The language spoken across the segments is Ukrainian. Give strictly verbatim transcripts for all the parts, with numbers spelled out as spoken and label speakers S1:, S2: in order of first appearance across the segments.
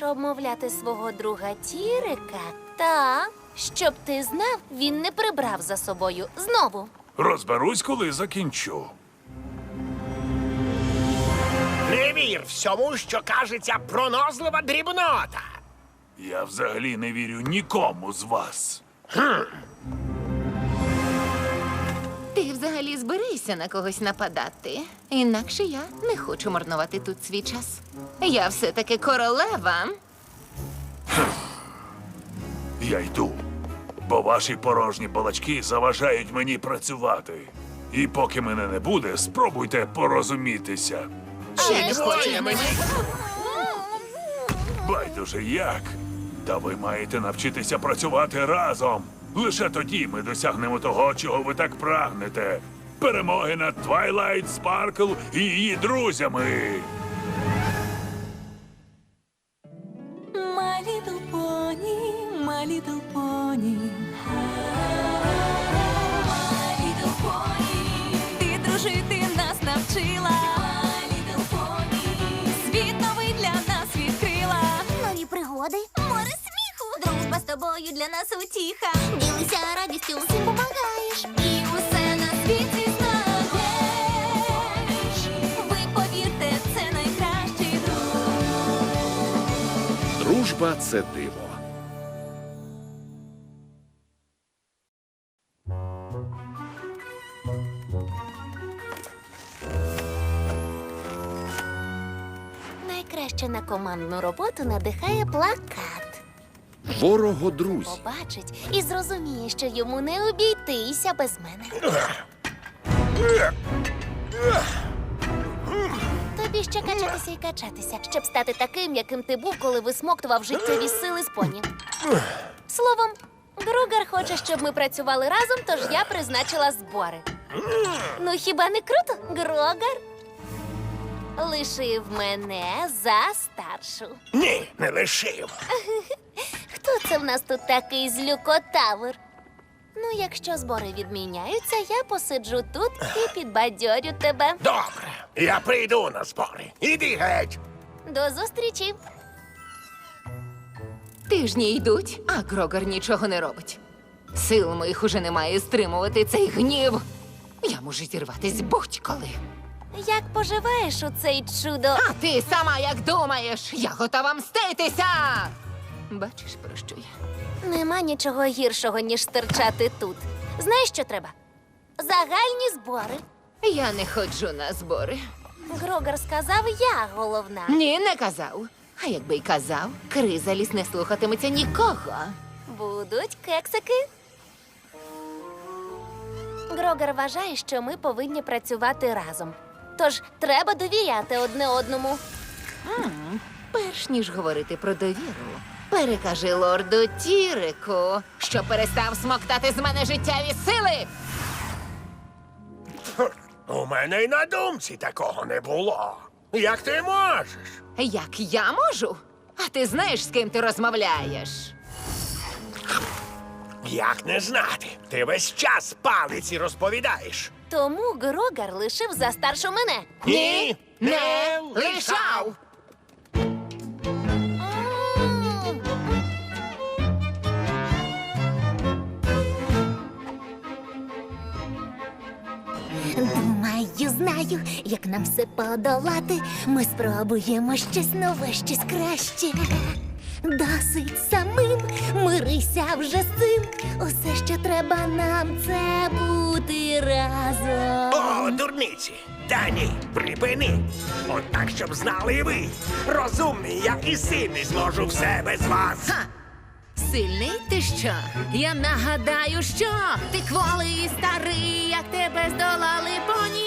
S1: будеш обмовляти свого друга Тірика? Так, щоб ти знав, він не прибрав за собою знову.
S2: Розберусь, коли закінчу.
S3: Не вір всьому, що кажеться пронозлива дрібнота.
S2: Я взагалі не вірю нікому з вас.
S4: Ти взагалі зберися на когось нападати. Інакше я не хочу марнувати тут свій час. Я все-таки королева.
S2: Я йду, бо ваші порожні балачки заважають мені працювати. І поки мене не буде, спробуйте порозумітися.
S4: Ще
S3: Двоє мені.
S2: Байдуже як. Та ви маєте навчитися працювати разом. Лише тоді ми досягнемо того, чого ви так прагнете. Перемоги над Твайлайт Спаркл і її друзями.
S5: My little pony, my little pony. My little pony. Ти дружити нас навчила. My little pony. Світ новий для нас відкрила.
S6: Нові пригоди, море сміху, дружба з тобою для нас утіха. Ділися радістю, всім помагаєш, і усе на світі знаєш. Ви повірте, це найкращий друг.
S7: Дружба – це диво.
S1: Найкраще на командну роботу надихає плакат.
S7: Ворого друзі.
S1: Побачить і зрозуміє, що йому не обійтися без мене. Тобі ще качатися і качатися, щоб стати таким, яким ти був, коли висмоктував життєві сили з поні. Словом, Гругар хоче, щоб ми працювали разом, тож я призначила збори. Ну хіба не круто, Гругар? Лишив мене за старшу.
S3: Ні, не лишив.
S1: Хто це в нас тут такий злюкотавр? Ну, якщо збори відміняються, я посиджу тут і підбадьорю тебе.
S3: Добре, я прийду на збори. Іди геть.
S1: До зустрічі.
S4: Тижні йдуть, а Грогар нічого не робить. Сил моїх уже немає стримувати цей гнів. Я можу зірватись будь-коли.
S1: Як поживаєш у цей чудо?
S4: А ти сама як думаєш? Я готова мститися! Бачиш, про що я?
S1: Нема нічого гіршого, ніж стирчати тут. Знаєш, що треба? Загальні збори.
S4: Я не ходжу на збори.
S1: Грогар сказав, я головна.
S4: Ні, не казав. А якби й казав, Кризаліс не слухатиметься нікого.
S1: Будуть кексики. Грогар вважає, що ми повинні працювати разом. Тож треба довіряти одне одному.
S4: Перш ніж говорити про довіру, перекажи лорду Тірику, що перестав смоктати з мене життєві сили.
S3: У мене й на думці такого не було. Як ти можеш?
S4: Як я можу? А ти знаєш, з ким ти розмовляєш?
S3: Як не знати? Ти весь час палиці розповідаєш.
S1: Тому Грогар лишив за старшу мене.
S3: Ні,
S4: Не лишав!
S6: Думаю, знаю, як нам все подолати. Ми спробуємо щось нове, щось краще. Досить самим, мирися вже з цим. Усе, що треба нам, це бути разом.
S3: О, дурниці! Та ні, припини! От так, щоб знали і ви. Розумний я і сильний зможу все без вас.
S4: Ха! Сильний ти що? Я нагадаю, що ти кволий і старий, як тебе здолали поні.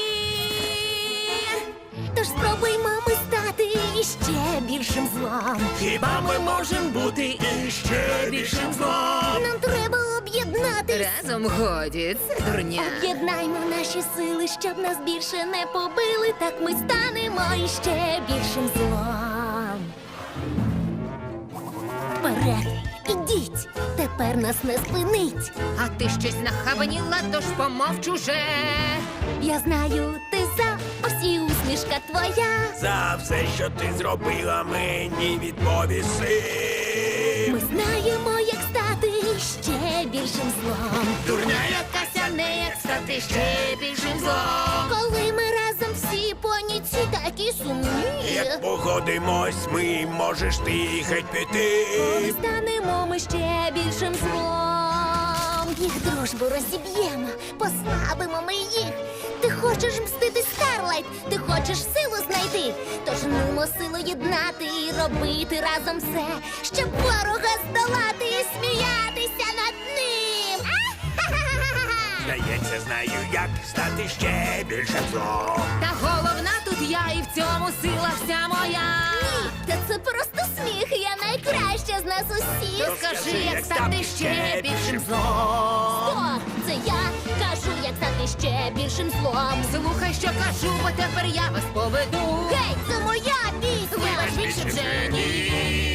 S6: Тож спробуймо ми стати іще більшим злом.
S3: Хіба ми можемо бути іще більшим злом?
S6: Нам треба об'єднатись.
S4: Разом годі, це дурня.
S6: Об'єднаймо наші сили, щоб нас більше не побили. Так ми станемо іще більшим злом. Вперед, ідіть, тепер нас не спинить.
S4: А ти щось нахабаніла, тож помовч уже.
S6: Я знаю, ти за, ось і усмішка твоя.
S3: За все, що ти зробила, мені відповіси.
S6: Ми знаємо, як стати ще більшим злом.
S3: Дурня
S4: Якася не як стати ще більшим злом.
S6: Коли ми разом всі поні ці такі сумні.
S3: Як погодимось, ми можеш ти геть піти.
S6: Коли станемо ми ще більшим злом. Їх дружбу розіб'ємо, послабимо ми їх. Ти хочеш мстити, Старлайт, ти хочеш силу знайти. Тож нумо силу єднати і робити разом все, щоб ворога здолати і сміятися над ним. А-ха-ха-ха-ха!
S3: Здається, знаю, як стати ще більшим злом.
S4: Та головна тут я, і в цьому сила вся моя.
S6: Та це просто сміх, я найкраща з нас усіх.
S4: Скажи, як стати ще більшим злом.
S6: О, це я кажу, як стати ще більшим злом.
S4: Слухай, що кажу, бо тепер я вас поведу.
S6: Гей, це моя пісня!
S4: Вибач, більше вже ні.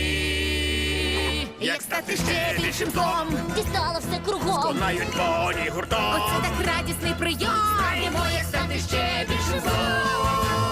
S4: Як стати ще більшим злом.
S6: Дістало все кругом.
S3: Знають поні гуртом.
S4: Оце так радісний прийом. Знаємо, як стати ще більшим злом.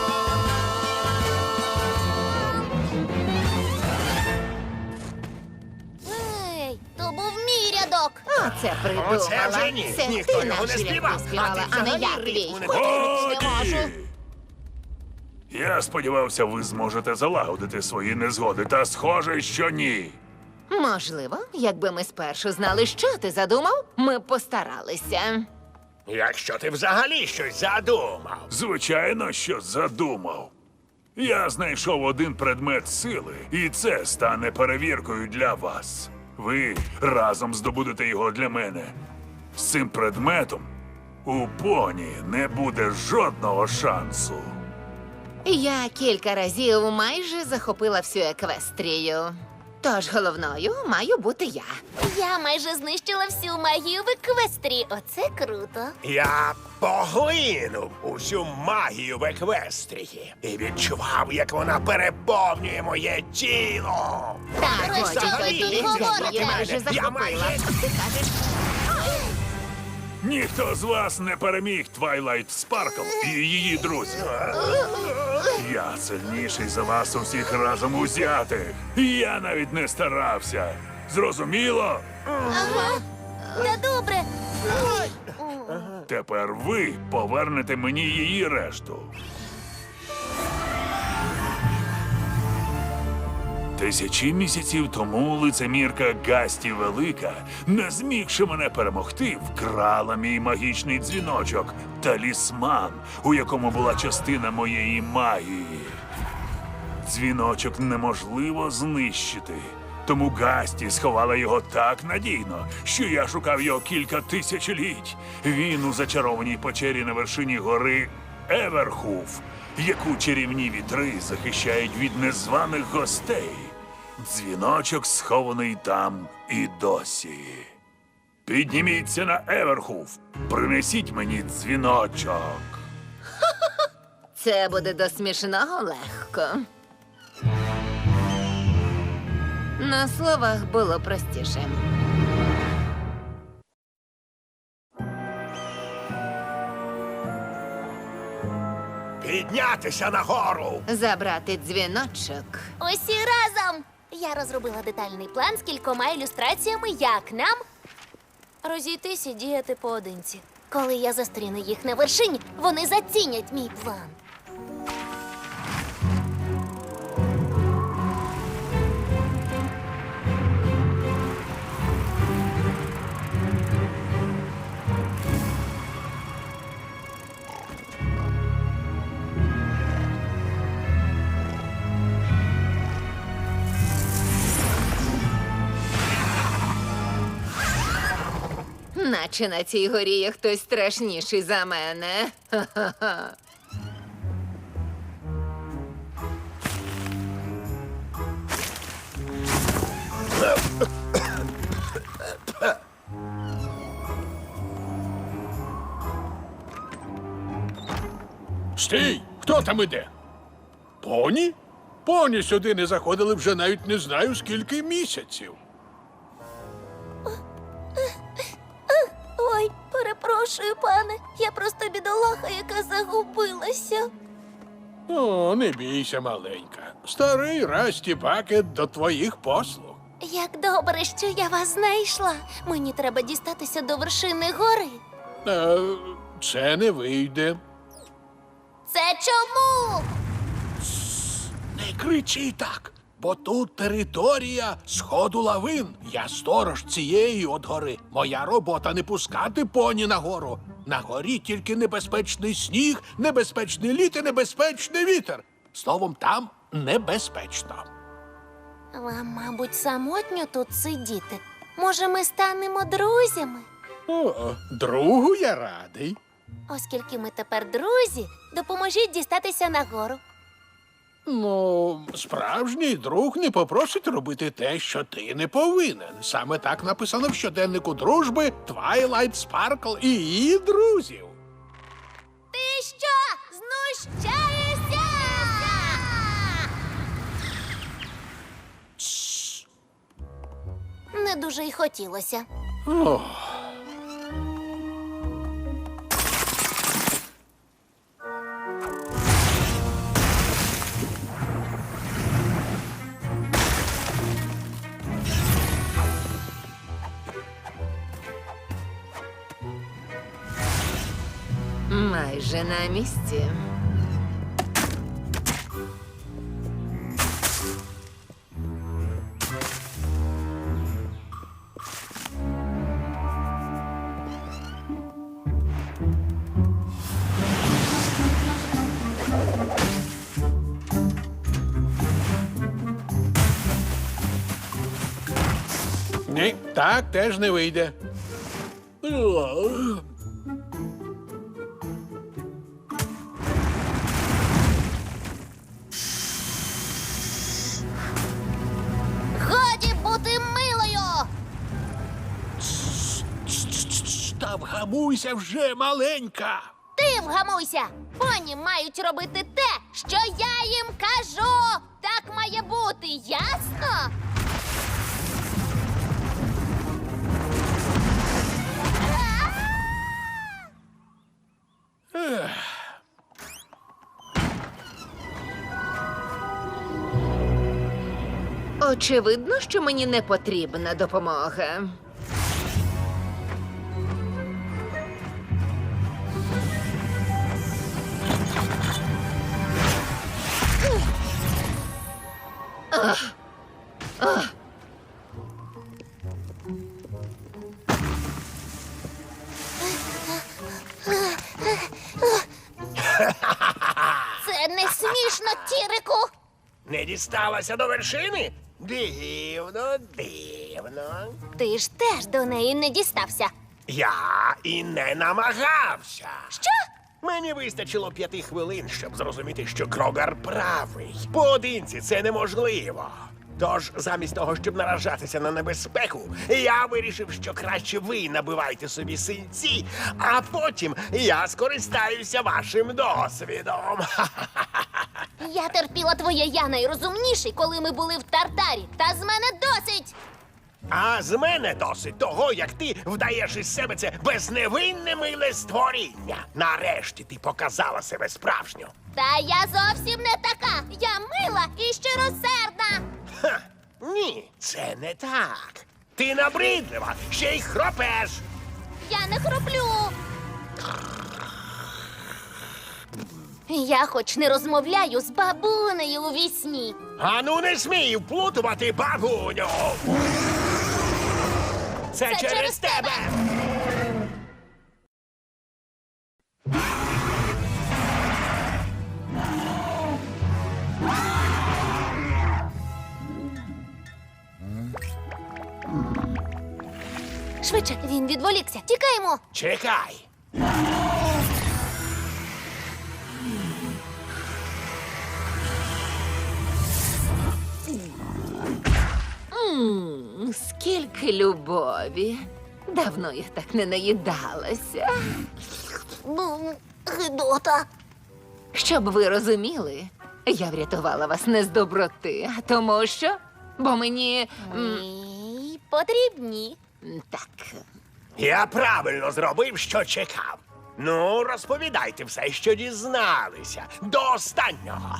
S6: Ей, то був мій рядок.
S4: Оце придумала.
S3: Оце вже ні.
S4: Це
S3: Ніхто
S4: ти
S3: його не
S4: наш
S3: співав,
S4: рядок співала,
S3: а
S4: а
S3: ти
S4: не я
S3: взагалі
S4: твій.
S3: ритму не
S4: Хоч і не можу.
S2: Годі! Я сподівався, ви зможете залагодити свої незгоди, та схоже, що ні.
S4: Можливо, якби ми спершу знали, що ти задумав, ми б постаралися.
S3: Якщо ти взагалі щось задумав.
S2: Звичайно, що задумав. Я знайшов один предмет сили, і це стане перевіркою для вас. Ви разом здобудете його для мене. З цим предметом у поні не буде жодного шансу.
S4: Я кілька разів майже захопила всю еквестрію. Тож головною маю бути я.
S6: Я майже знищила всю магію в еквестрі. Оце круто.
S3: Я поглинув усю магію в еквестрії і відчував, як вона переповнює моє тіло.
S4: Так,
S6: Про
S4: годі
S6: що ви
S4: тобі,
S6: тут
S4: я
S6: говорите?
S4: її майже
S3: Я
S4: захопила.
S3: майже-
S4: Ти кажеш,
S2: Ніхто з вас не переміг Твайлайт Спаркл і її друзів. Я сильніший за вас усіх разом узятих. Я навіть не старався. Зрозуміло?
S6: Ага. Та добре.
S2: Тепер ви повернете мені її решту. Тисячі місяців тому лицемірка Гасті Велика, не змігши мене перемогти, вкрала мій магічний дзвіночок – талісман, у якому була частина моєї магії. Дзвіночок неможливо знищити, тому Гасті сховала його так надійно, що я шукав його кілька тисячоліть. Він у зачарованій печері на вершині гори Еверхуф, яку чарівні вітри захищають від незваних гостей. Дзвіночок схований там і досі. Підніміться на Еверхуф, принесіть мені дзвіночок.
S4: це буде до смішного легко. На словах було простіше.
S3: Піднятися нагору.
S4: Забрати дзвіночок.
S6: Усі разом. Я розробила детальний план з кількома ілюстраціями, як нам розійтись і діяти поодинці. Коли я зустріну їх на вершині, вони зацінять мій план.
S4: Наче на цій горі є хтось страшніший за мене. Ха-ха-ха.
S8: Стій! Хто там іде? Поні? Поні сюди не заходили вже навіть не знаю скільки місяців.
S6: Ой, перепрошую, пане. Я просто бідолаха, яка загубилася.
S8: О, не бійся, маленька. Старий Расті Бакет до твоїх послуг.
S1: Як добре, що я вас знайшла. Мені треба дістатися до вершини гори.
S8: Е, це не вийде.
S1: Це чому?
S8: Не кричи так, бо тут територія сходу лавин. Я сторож цієї от гори. Моя робота не пускати поні на гору. На горі тільки небезпечний сніг, небезпечний лід і небезпечний вітер. Словом, там небезпечно.
S1: Вам, мабуть, самотньо тут сидіти. Може, ми станемо друзями?
S8: О, другу я радий.
S1: Оскільки ми тепер друзі, допоможіть дістатися нагору.
S8: Ну, справжній друг не попросить робити те, що ти не повинен. Саме так написано в щоденнику дружби Twilight Sparkle і її друзів.
S1: Ти що, знущаєшся? Не дуже й хотілося.
S8: Ох.
S4: Майже на місці.
S8: Ні, так теж не вийде.
S1: Годі бути милою!
S8: Та вгамуйся вже, маленька.
S1: Ти вгамуйся! Поні мають робити те, що я їм кажу! Так має бути, ясно?
S4: Очевидно, що мені не потрібна допомога.
S1: Це не смішно, Тірику!
S3: Не дісталася до вершини? Дивно, дивно.
S1: Ти ж теж до неї не дістався.
S3: Я і не намагався.
S1: Що?
S3: Мені вистачило п'яти хвилин, щоб зрозуміти, що Крогар правий. Поодинці це неможливо. Тож, замість того, щоб наражатися на небезпеку, я вирішив, що краще ви набивайте собі синці, а потім я скористаюся вашим досвідом.
S1: Я терпіла твоє я найрозумніший, коли ми були в Тартарі. Та з мене досить!
S3: А з мене досить того, як ти вдаєш із себе це безневинне миле створіння. Нарешті ти показала себе справжню.
S1: Та я зовсім не така. Я мила і щиросердна.
S3: Ха, ні, це не так. Ти набридлива, ще й хропеш.
S1: Я не хроплю. Я хоч не розмовляю з бабунею у вісні.
S3: Ану, не смій вплутувати бабуню. Це,
S1: Це
S3: через,
S1: через
S3: тебе.
S1: Швидше, він відволікся. Тікаємо.
S3: Чекай.
S4: М, Скільки любові. Давно я так не наїдалася.
S1: Бу, Гидота.
S4: Щоб ви розуміли, я врятувала вас не з доброти, а тому що. Бо мені. м,
S1: Ні, потрібні.
S4: Так.
S3: Я правильно зробив, що чекав. Ну, розповідайте все, що дізналися. До останнього.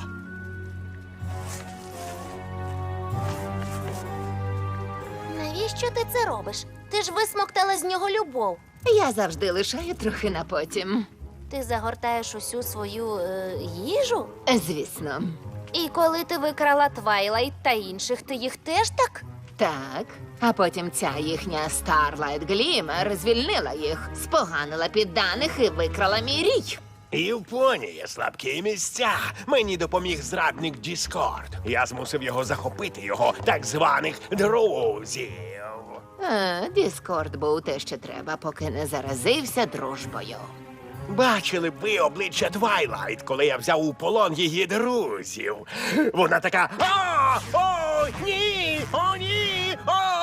S1: Навіщо ти це робиш? Ти ж висмоктала з нього любов.
S4: Я завжди лишаю трохи на потім.
S1: Ти загортаєш усю свою е, їжу?
S4: Звісно.
S1: І коли ти викрала Твайлайт та інших, ти їх теж так?
S4: Так. А потім ця їхня Starlight Glimmer звільнила їх, споганила підданих і викрала мій рій.
S3: І в поні є слабкі місця. Мені допоміг зрадник Діскорд. Я змусив його захопити його так званих друзів.
S4: А, Діскорд був те, що треба, поки не заразився дружбою.
S3: Бачили б ви обличчя Твайлайт, коли я взяв у полон її друзів. Вона така: «О, о, ні, о, ні, о!»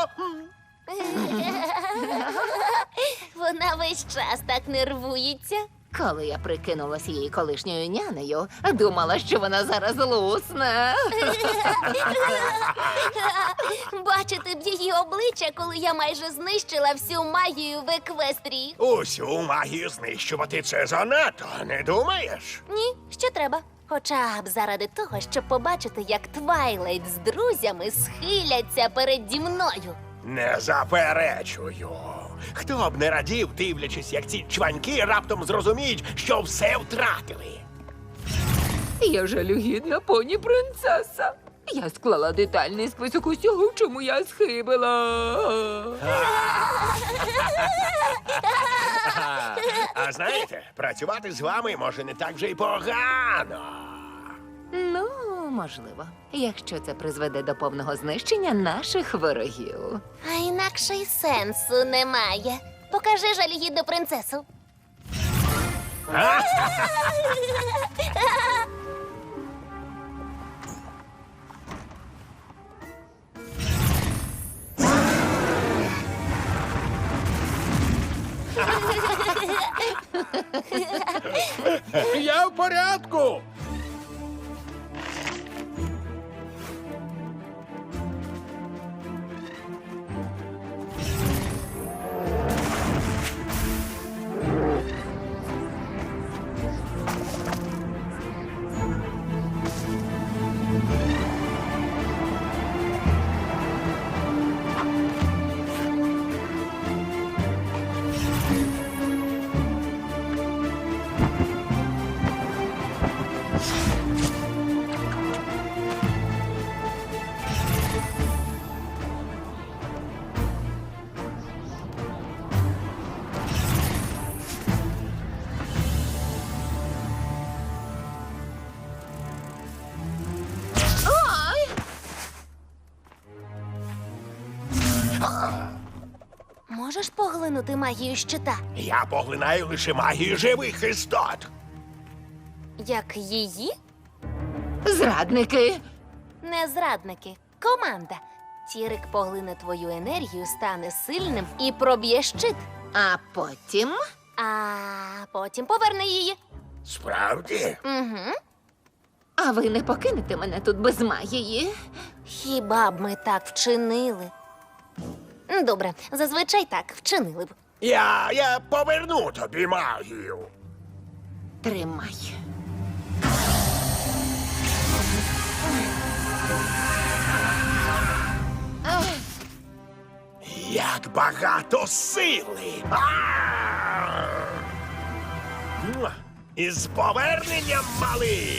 S1: Вона весь час так нервується.
S4: Коли я прикинулась її колишньою нянею, думала, що вона зараз лусне.
S1: Бачити б її обличчя, коли я майже знищила всю магію в Еквестрії.
S3: Усю магію знищувати це занадто, не думаєш?
S1: Ні, що треба. Хоча б заради того, щоб побачити, як Твайлайт з друзями схиляться переді мною.
S3: Не заперечую. Хто б не радів, дивлячись, як ці чваньки раптом зрозуміють, що все втратили.
S4: Я жалюгідна поні принцеса. Я склала детальний список усього, в чому я схибила.
S3: А знаєте, працювати з вами може не так вже й погано.
S4: Ну, можливо, якщо це призведе до повного знищення наших ворогів.
S1: А інакше й сенсу немає. Покажи жалюгідну принцесу.
S8: Я в порядку.
S1: Можеш поглинути магію щита?
S3: Я поглинаю лише магію живих істот.
S1: Як її?
S4: Зрадники!
S1: Не зрадники. Команда. Тірик поглине твою енергію, стане сильним і проб'є щит.
S4: А потім
S1: А потім поверне її.
S3: Справді?
S1: Угу.
S4: А ви не покинете мене тут без магії?
S1: Хіба б ми так вчинили? Добре, зазвичай так вчинили б.
S3: Я, я поверну тобі магію.
S4: Тримай.
S3: Як багато сили! А! Муа! Із поверненням, малий!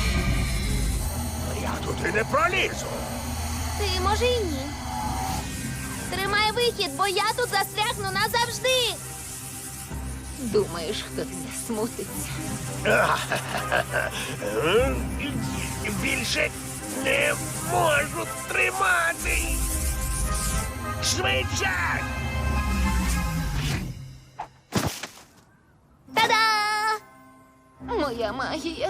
S3: Я туди не пролізу.
S1: Ти, може, і ні. Тримай вихід, бо я тут застрягну назавжди.
S4: Думаєш, хтось засмутиться?
S3: Більше не можу тримати. Швидше!
S1: Та-да!
S4: Моя магія.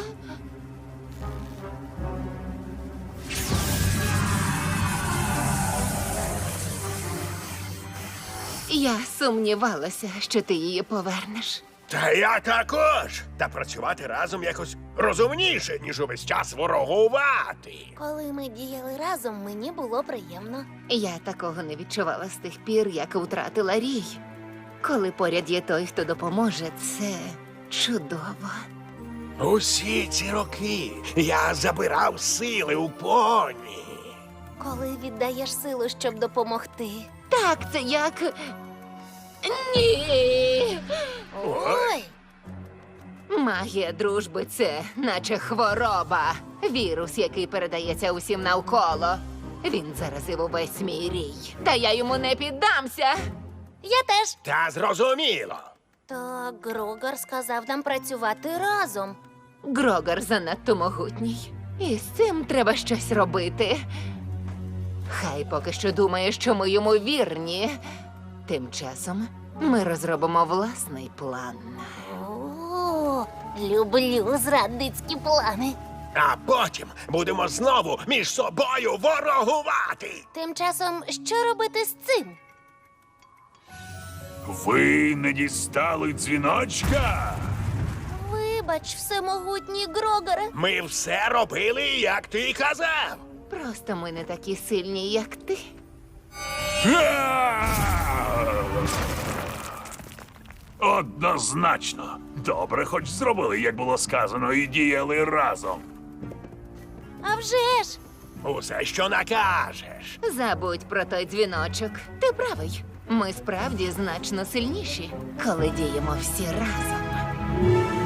S4: Я сумнівалася, що ти її повернеш.
S3: Та я також. Та працювати разом якось розумніше, ніж увесь час ворогувати.
S1: Коли ми діяли разом, мені було приємно.
S4: Я такого не відчувала з тих пір, як втратила рій. Коли поряд є той, хто допоможе, це чудово.
S3: Усі ці роки я забирав сили у поні.
S1: Коли віддаєш силу, щоб допомогти.
S4: Так, це як. Ні.
S1: Ой!
S4: Магія дружби це наче хвороба. Вірус, який передається усім навколо. Він заразив увесь мій рій. Та я йому не піддамся.
S1: Я теж.
S3: Та зрозуміло.
S1: Та Грогар сказав нам працювати разом.
S4: Грогар занадто могутній. І з цим треба щось робити. Хай поки що думає, що ми йому вірні. Тим часом ми розробимо власний план.
S1: О, люблю зрадницькі плани.
S3: А потім будемо знову між собою ворогувати.
S1: Тим часом, що робити з цим?
S2: Ви не дістали дзвіночка?
S1: Вибач, всемогутній Грогаре.
S3: Ми все робили, як ти казав.
S4: Просто ми не такі сильні, як ти.
S2: Га! Однозначно. Добре, хоч зробили, як було сказано, і діяли разом.
S1: А вже ж!
S3: Усе, що накажеш.
S4: Забудь про той дзвіночок. Ти правий. Ми справді значно сильніші, коли діємо всі разом.